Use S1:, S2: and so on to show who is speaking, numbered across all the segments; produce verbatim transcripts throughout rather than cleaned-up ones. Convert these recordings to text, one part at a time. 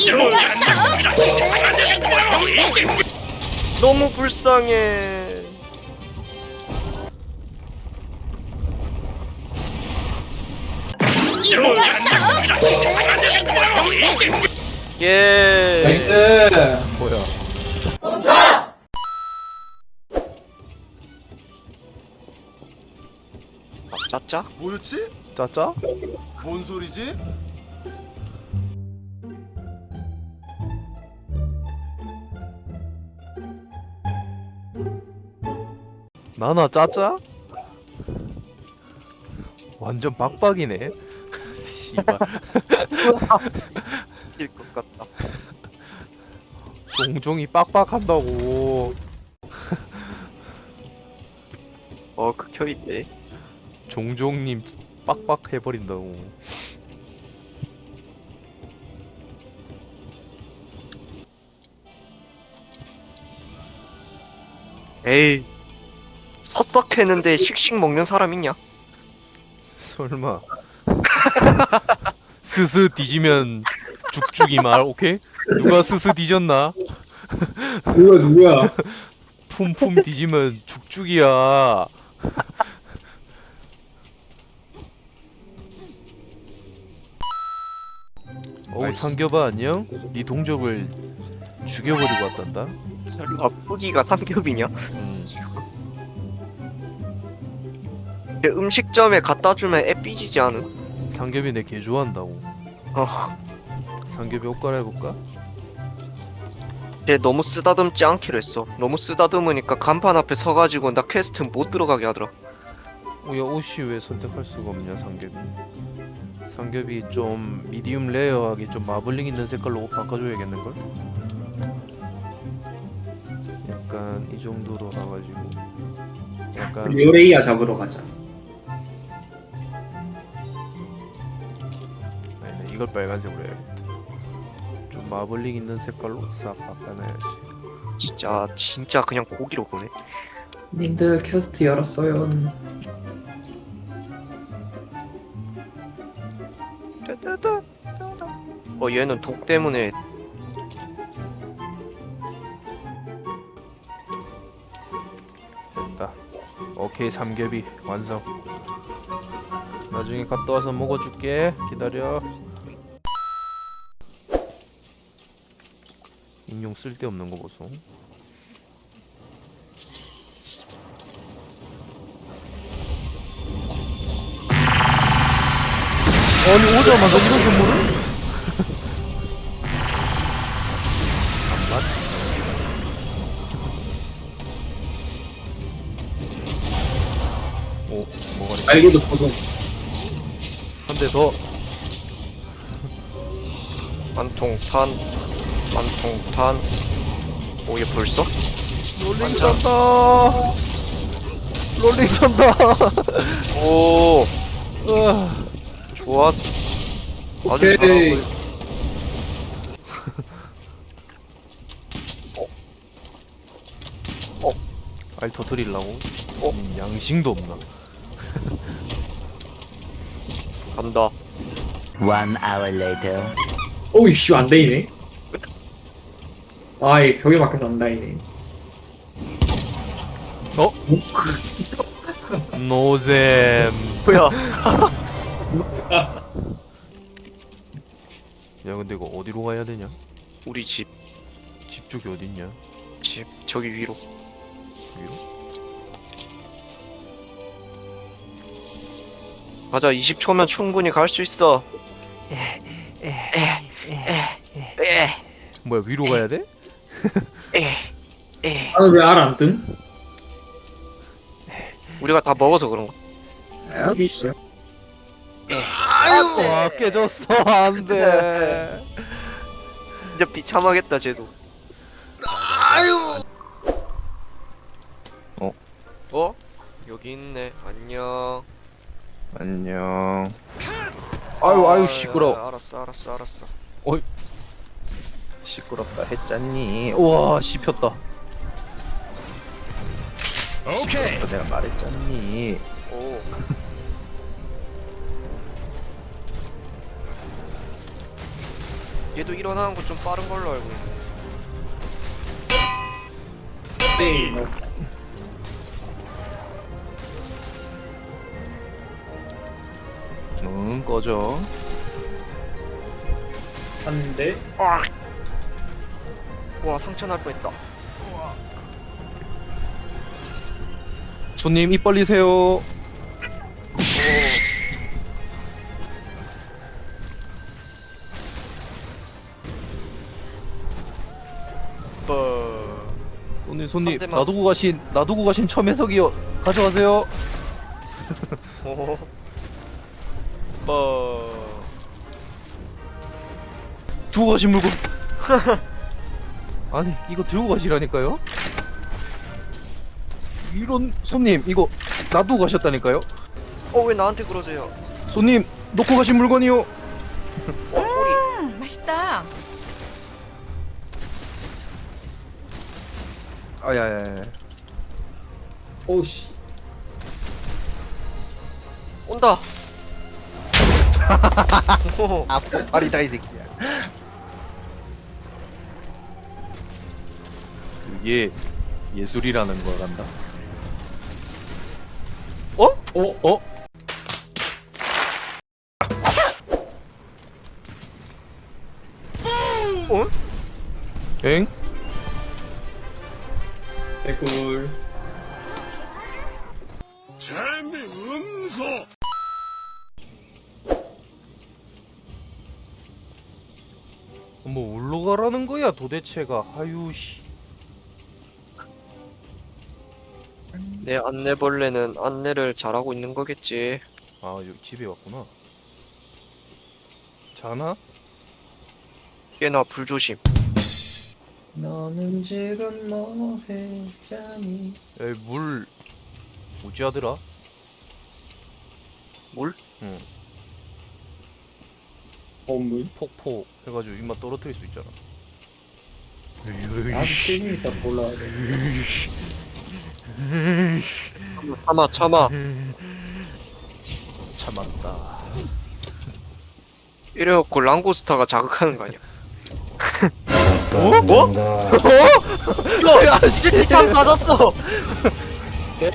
S1: 너무 불쌍해. 예.
S2: 나이스.
S3: 뭐야?
S1: 아, 짜짜?
S4: 뭐였지?
S3: 짜짜?
S4: 뭔 소리지?
S3: 나나 짜짜? 완전 빡빡이네. 씨발.
S1: 일 것 같다.
S3: 종종이 빡빡한다고.
S1: 어, 극혀 있네.
S3: 종종님 빡빡 해버린다고.
S1: 에이. 서석했는데 씩씩 먹는 사람 있냐?
S3: 설마. 스스 뒤지면 죽죽이 말 오케이? 누가 스스 뒤졌나?
S2: 누가 누구야?
S3: 품품 뒤지면 죽죽이야. 어우 상겨봐 안녕? 네 동족을 죽여버리고 왔단다.
S1: 설마 뿌기가 삼겹이냐?
S3: 음.
S1: 음식점에 갖다 주면 애 삐지지 않음?
S3: 상겹이 내 개 좋아한다고.
S1: 어,
S3: 상겹이 옷 갈아입을까?
S1: 걔 너무 쓰다듬지 않기로 했어. 너무 쓰다듬으니까 간판 앞에 서가지고 나 퀘스트 못 들어가게 하더라.
S3: 어, 야 옷이 왜 선택할 수가 없냐 상겹이. 상겹이 좀 미디움 레어하게 좀 마블링 있는 색깔로 옷 바꿔줘야겠는걸? 약간 이 정도로 가가지고 약간
S2: 요레이야 잡으러 가자.
S3: 아니 이걸 빨간색으로 해야겠다. 좀 마블링 있는 색깔로 싹 바꿔놔야지.
S1: 진짜 진짜 그냥 고기로 보네.
S2: 님들 퀘스트 열었어요.
S1: 따따따. 어 얘는 독 때문에
S3: 됐다. 오케이 삼겹이 완성. 나중에 갔다 와서 먹어줄게. 기다려. 인용 쓸데없는 거 보소. 아니 오자마자 이런 선물을? 안 맞지. 오 뭐가 이렇게
S2: 알고도 보송.
S3: 한 대 더.
S1: 만통탄 만통탄. 오 얘 벌써?
S3: 롤링
S1: 완전.
S3: 쏜다. 롤링 쏜다.
S1: 오
S3: 으아.
S1: 좋았어. 아주
S2: 오케이.
S1: 잘하고.
S3: 알 터뜨리려고?
S1: 어?
S3: 음, 양심도 없나?
S1: 간다.
S5: One hour later.
S2: 오이씨 안 되이네. 아이 벽에 막혀서 안 다이네.
S3: 어? 노잼.
S1: 뭐야?
S3: 야 근데 이거 어디로 가야 되냐?
S1: 우리 집,
S3: 집 쪽이 어딨냐?
S1: 집 저기 위로.
S3: 위로?
S1: 가자. 이십 초면 충분히 갈 수 있어. 에,
S3: 뭐야 위로 가야 돼?
S1: 에, 에.
S2: 나는 왜알 안 뜸?
S1: 우리가 다 먹어서 그런가?
S2: 여기 있어.
S3: 아유 와 깨졌어 안돼.
S1: 진짜 비참하겠다 쟤도.
S3: 어?
S1: 어? 여기 있네. 안녕.
S3: 안녕. 아유 아유 시끄러.
S1: 아, 알았어 알았어 알았어.
S3: 시끄럽다 했잖니. 우와 씹혔다.
S4: 오케이.
S3: 내가 말했잖니.
S1: 오. 얘도 일어나는 거 좀 빠른 걸로 알고 있는데.
S2: 네. 뭐.
S3: 응 꺼져.
S2: 한대.
S1: 와 상처 날 뻔했다.
S3: 손님 입 벌리세요.
S1: 뭐.
S3: 손님 손님
S1: 한 대만.
S3: 놔두고 가신 놔두고 가신 첨해석이요. 가져가세요.
S1: 오. 뭐.
S3: 두고 가신 물건. 아니 이거 들고 가시라니까요. 이런 손님 이거 놔두고 가셨다니까요.
S1: 어 왜 나한테 그러세요?
S3: 손님 놓고 가신 물건이요.
S1: 어 꼬리.
S6: 음, 맛있다.
S3: 아야야야.
S2: 오씨.
S1: 온다. 오.
S3: 아 아리다 이 새끼야. 그게 예술이라는 걸 안다.
S1: 어?
S2: 어?
S3: 어?
S1: 어?
S3: 엥?
S2: 개꿀.
S4: 재미없어.
S3: 뭐 올라가라는 거야 도대체가. 아유씨.
S1: 내 안내벌레는 안내를 잘하고 있는 거겠지.
S3: 아 여기 집에 왔구나. 자나?
S1: 꽤나 불조심.
S2: 너는 지금 뭐 했자니?
S3: 에이 물 뭐지 하더라?
S1: 물?
S3: 응.
S2: 어물?
S3: 폭포 해가지고 입맛 떨어뜨릴 수 있잖아.
S2: 나도 지금 이따 몰라야 돼.
S1: 참아 참아.
S3: 참았다.
S1: 이래갖고 랑고스타가 자극하는 거 아니야?
S3: 어? 뭐?
S1: 어? 야 씨! 참 맞았어!
S2: 네?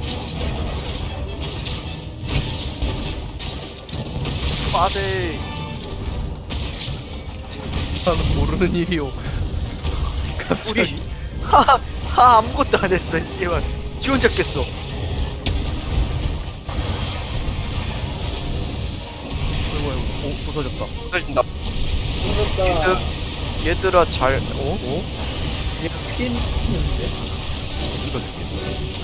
S1: 빠데.
S3: 나는 모르는 일이오.
S1: 우리
S3: 갑자기.
S1: 하, 하 아무것도 안 했어. 얘만 지 혼자 깼어.
S3: 아이고 아이고. 오 부서졌다.
S1: 떨어진다.
S2: 죽었다.
S1: 얘들, 얘들아 잘.
S3: 어? 어?
S2: 얘 피해 시키는데?
S3: 우리가 죽겠네.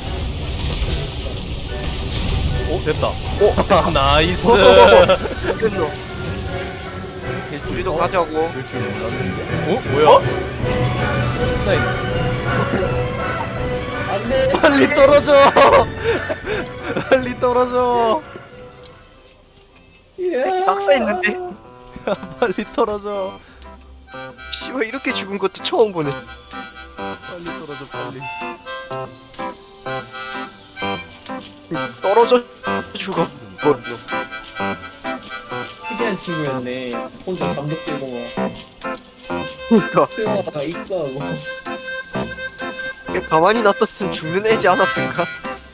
S3: 어 됐다. 오 나이스.
S1: 됐어. 우리도 가자고.
S3: 될 줄 몰랐는데. 어 뭐야? 익사인.
S2: 안 돼!
S3: 빨리 떨어져. 빨리 떨어져.
S2: 예.
S1: 낙사했는데?
S3: 빨리 떨어져.
S1: 씨발 이렇게 죽은 것도 처음 보네.
S3: 빨리 떨어져 빨리.
S1: 떨어져 죽어. 뭐,
S2: 특이한 친구였네. 혼자 잠도 깨고 막.
S1: 그니까
S2: 수영하다가 익사하고.
S1: 가만히 놔뒀으면 죽는 애지 않았을까?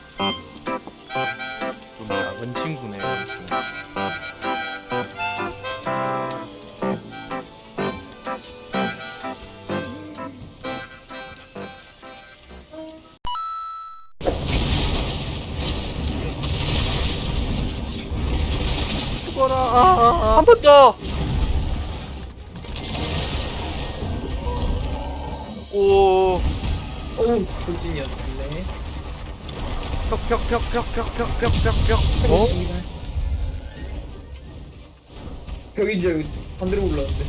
S3: 좀 작은 친구네. 좀.
S1: 죽어라. 아, 한 번 더. 오.
S2: 어우, 돌진이었네.
S1: 벽벽벽벽벽벽벽벽벽.
S3: 어?
S2: 씨발. 벽인 줄 알고 반대로 올라왔는데.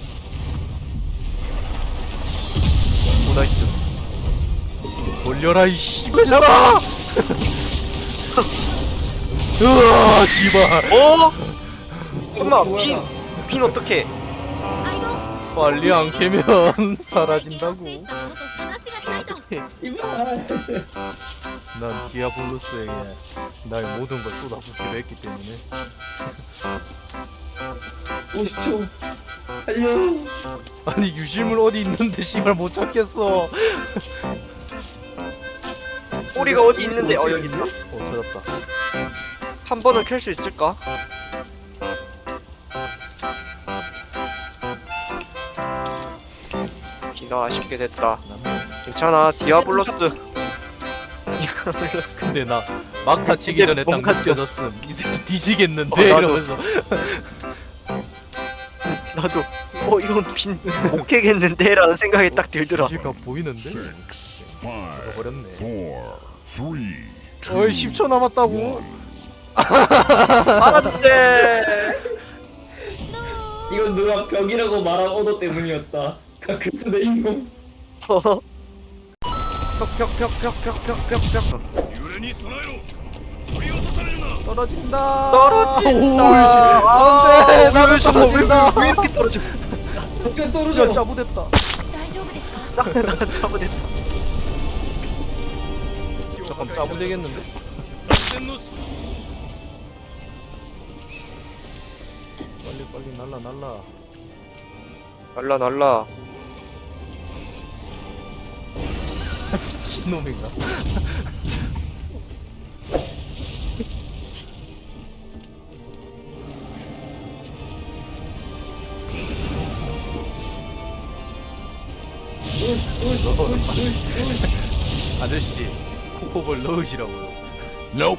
S1: 오 나이스.
S3: 돌려라 이 씨발려라. 으아 씨발.
S1: 어? 엄마
S2: 뭐야.
S1: 빈. 빈 어떡해?
S3: 빨리 안 캐면 사라진다고.
S2: 씨발.
S3: 난 디아블로스에게 나의 모든 걸 쏟아붓기로 했기 때문에.
S2: 오십 초. 달려.
S3: 아니 유실물 어디 있는데 씨발 못 찾겠어.
S1: 꼬리가 어디 있는데? 어 여기 있다.
S3: 어 찾았다.
S1: 한 번은 켤 수 있을까? 기가 아쉽게 됐다. 괜찮아, 디아블로스. 디아블로스.
S3: 근데 나 막타 치기
S1: 이게
S3: 전에 딱
S1: 뭔가 좀-
S3: 느껴졌음. 이 새끼 뒤지겠는데
S1: 어, 나도.
S3: 이러면서.
S1: 나도 어 이건 빈 못 깨겠는데라는 생각이 딱 들더라.
S3: 지가 보이는데?
S6: Six, five,
S3: 죽어버렸네.
S6: four, three,
S3: 어이 십 초 남았다고?
S1: 안돼.
S2: 이건 누가 벽이라고 말한 오더 때문이었다. 가크스 내 인공.
S1: 벽벽벽벽벽벽벽벽.
S3: 떨어진다.
S1: 떨어진다.
S3: 오이씨. 안돼. 나도 떨어진다.
S1: 왜, 왜 이렇게 떨어져?
S2: 이거 떨어져.
S3: 야 짜부됐다.
S7: 大丈夫ですか
S1: 나 나 잘못했다.
S3: 잠깐 짜부되겠는데? 빨리 빨리 날라 날라.
S1: 날라 날라.
S3: 미친놈인가?
S2: 으이씨, 으이씨, 으이씨, 으이씨, 으이씨.
S3: 아저씨 코코볼 넣으시라고요.
S4: Nope.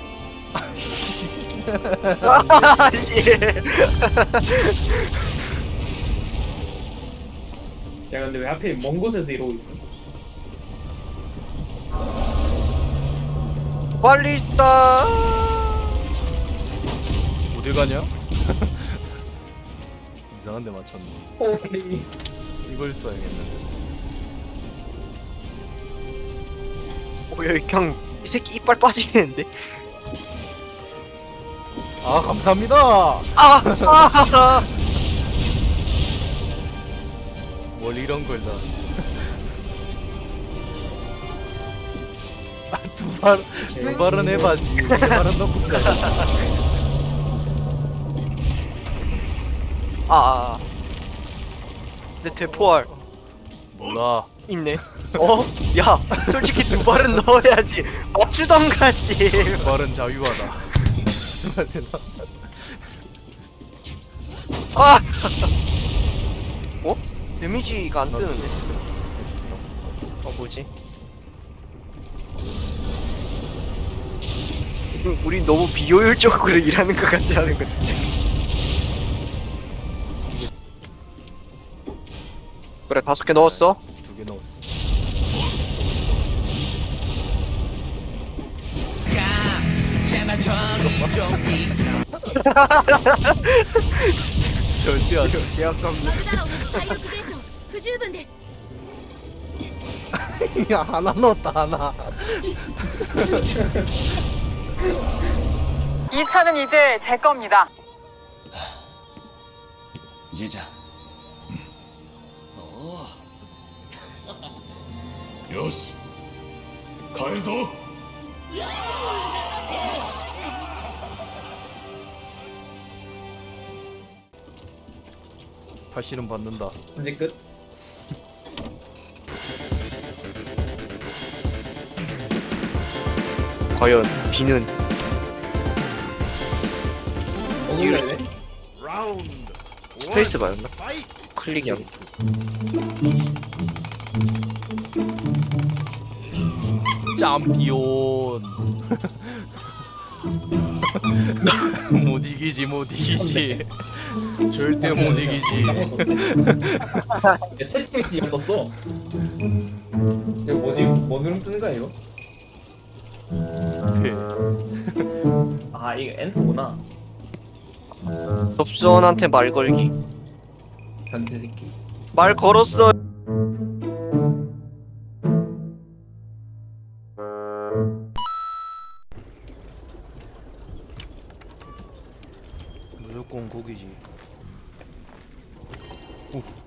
S2: 야 근데 왜 하필 먼 곳에서 이러고 있어?
S1: 발리스타.
S3: 어디 가냐? 이상한 데 맞췄네.
S2: 홀리.
S3: 이걸 써야겠는데.
S1: 어 여기 그냥 이 새끼 이빨 빠지겠는데?
S3: 아 감사합니다.
S1: 아! 아!
S3: 뭘 이런 걸 다. 아, 두 발, 두 발은 해봐지. 세 발은 넣고 써야
S1: 아, 아. 내 대포알
S3: 몰라.
S1: 있네. 어? 야, 솔직히 두 발은 넣어야지. 맞추던가 씨.
S3: 두 발은 자유하다.
S1: 아! 어? 데미지가 안 뜨는데. 어 뭐지? 음, 우리 너무 비효율적으로 일하는 것 같지 않은 것 같아. 그래 다섯 개 넣었어?
S3: 두 개 넣었어. 절대 안 돼.
S1: 계약감.
S7: マルダロスの体力減少不十分です
S3: 야 하나 넣었다 하나.
S8: 이 차는 이제 제 겁니다.
S5: じいちゃん
S6: よし帰るぞ
S3: 다시는 받는다.
S2: 이제 끝.
S1: 과연 비는
S2: 어눌렸네.
S4: Round.
S1: 스페이스 바였나?
S4: Fight.
S1: 클릭이 안.
S3: 짬피온. 못 이기지 못 이기지. 절대 못 이기지.
S2: 야 채팅 메시지가 떴어. 이거 뭐지? 뭔 누름 뜨는 거야 이거?
S3: 네.
S2: 아 이거 엔터구나.
S1: 접선한테 말 걸기.
S2: 변태 새끼.
S1: 말 걸었어.
S3: 무조건 고기지. 오.